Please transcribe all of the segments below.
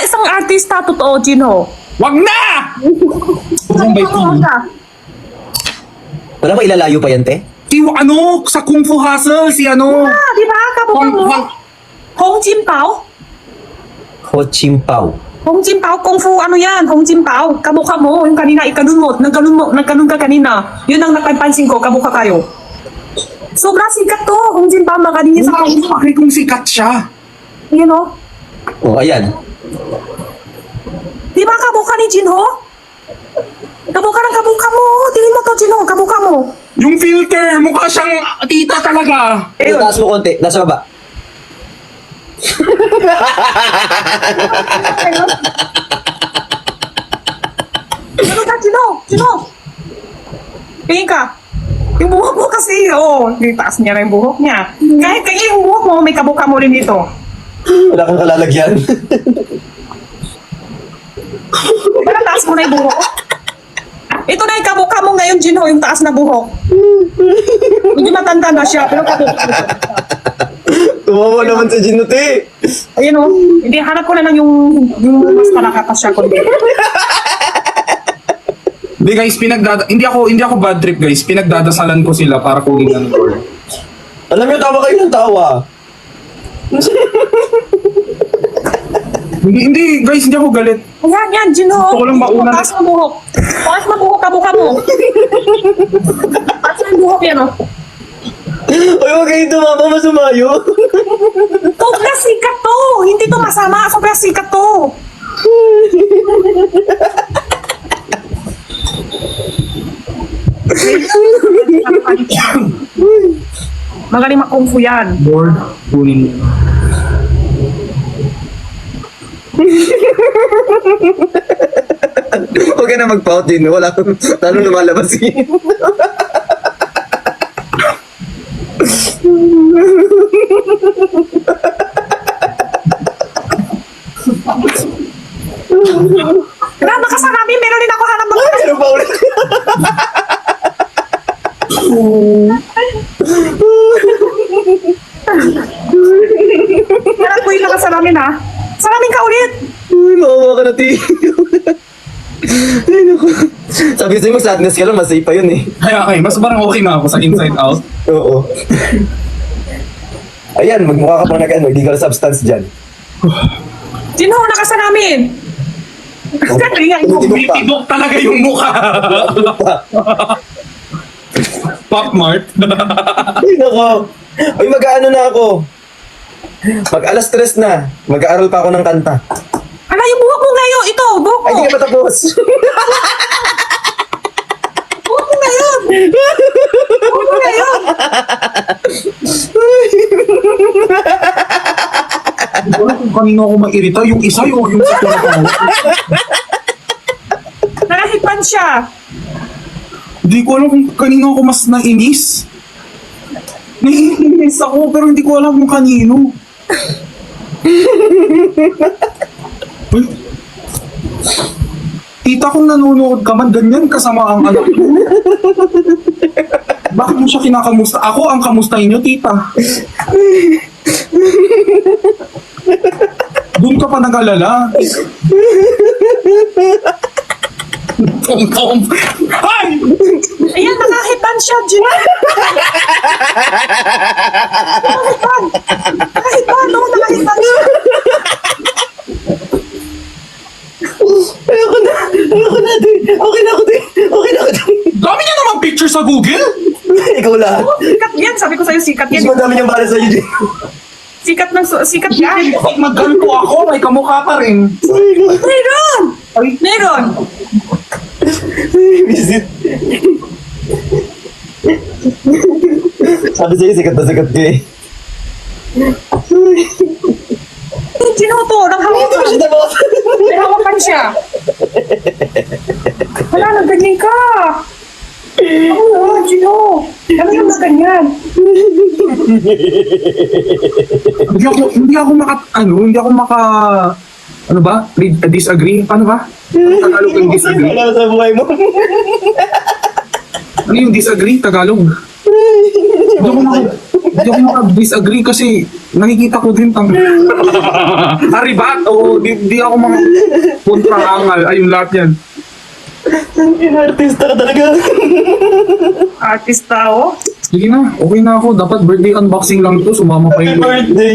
isang artista, totoo, Jinho. Wag na! Bombay TV. Wala ba ilalayo pa yan, te? Sa Kung Fu Hustle, si ano? Di ba? Kabuka mo. Hong Jimpao? Ho Chimpao. Hong Jimpao, Kung Fu, ano yan? Hong Jimpao. Kabuka mo. Yung kanina, nagganun ka kanina. Yun ang napansin ko, kabuka kayo. Sobrang sikat to. Hong Jimpao, makalinis sa Kung Fu. Bakit kung sikat siya? You know? Oh, ayan. Di ba kabuka ni Jinho? Kabuka mo. Tingin mo to, Jinho. Kabuka mo. Yung filter, mukha siyang tita talaga. Ayun. Taas mo konti. Nasa baba. Ano ka, Jinho? Tingin ka. Yung buhok mo kasi, taas niya na yung buhok niya. Kahit yung buhok mo, may kabuka mo rin dito. Wala kang kalalagyan. Parang taas mo na yung buhok. Ito na yung kabuka mo ngayon, Jinho, yung taas na buhok. Hindi matanda na siya, pero kabuka mo. Tumawa naman sa Ginuti. Ayun o. Hindi, hanap ko na lang yung mas malakatas siya kundi. Hindi guys, hindi ako bad trip guys. Pinagdadasalan ko sila para kunin ng Lord. Alam niyo, tawa kayo ng tawa. Hindi guys, hindi ako galit. Yan, Jinho. Gusto ko lang mauna. Taas mo buhok. Taas mo buhok, kabuka mo. Taas mo yung buhok yan o. Uy, huwag kayo tumama, masumayo. Sobrang sikat to. Hindi to masama. Sobrang sikat to. Magaling makungfu yan. Lord, kunin mo. Huwag ka na mag-pout din. Wala kang lalo lumalabas yun. Graba ka sa namin. Meron din ako hanap ng Ano pa ulit? Meron ko yung nakasalamin ha. Salamin ka ulit. Uy, makawa ka na, Ti. Ay, naku. Sabi sa'yo, mag-sadness ka lang, masay pa yun eh. Kaya mas parang okay na ako sa Inside Out. Oo. Ayan, magmukha ka pang illegal substance dyan. Jinho, nakasalamin. Kasi nga, Titibok talaga yung mukha. Pop Mart. Ay, nako. Uy, mag-ano na ako. Mag-alas 3 na. Mag-aaral pa ako ng kanta. Ala, yung buhok mo ngayon. Ito, buhok Ay, mo. di ka matapos. Buhok mo ngayon. Buhok mo ngayon. Hindi ko alam kung kanino ako mairita. Yung isa, yung sa tulad. Nakahipan siya. Hindi ko alam kung kanino ako mas nainis. Naiinis ako pero hindi ko alam kung kanino. Uy. Tita, kung nanonood ka man, ganyan kasama ang anak ko. Bakit mo siya kinakamusta? Ako ang kamustahin niyo, tita. Doon ka pa nag-alala. Tom. Ay! Ayan, nakahipan siya, Jinho. Nakahipan. Nakahipan, no? Nakahipan siya. Ayoko na, Ti. Okay na ako, Ti. Dami niya naman picture sa Google. Ikaw lahat. Sikat yan. Sabi ko sa'yo, sikat Mas yan. madami niyang bala sa'yo, Jay. Sikat yan. Pag magganto ako, may kamukha pa rin. Meron! Meron! Visit. Sabi sa'yo, sikat na sikat ka eh. Jinho to, nanghawakan. May hawakan siya. Wala, nagganyan ka. Oo, Jinho. Ano yung ganyan? Hindi ako maka ano ba? Disagree? Paano ba? Tagalog yung disagree? Wala sa buhay mo. Ano yung disagree? Tagalog? Hindi ako maka-disagree kasi nakikita ko din tang Aribat, oo, di ako mga kontraangal, ayun lahat yan. Artista ka talaga. Artista, oh. Sige na, okay na ako. Dapat birthday unboxing lang to, sumama pa Happy yun. birthday.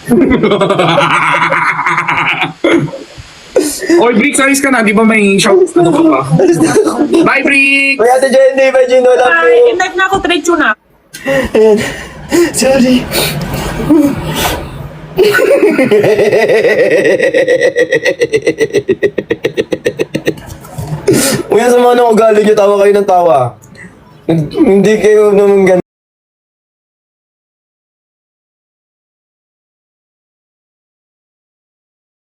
Oy, Brick, ayos ka na. Di ba may shout? Ano ka pa? Bye, Brick! Uy, Ate Jenny, bye Gino, love Ay, you. in-live na ako, diretso na. Ayan. Sorry. Uy, ang sama ng ugali niyo, tawa kayo ng tawa. Hindi kayo naman ganun.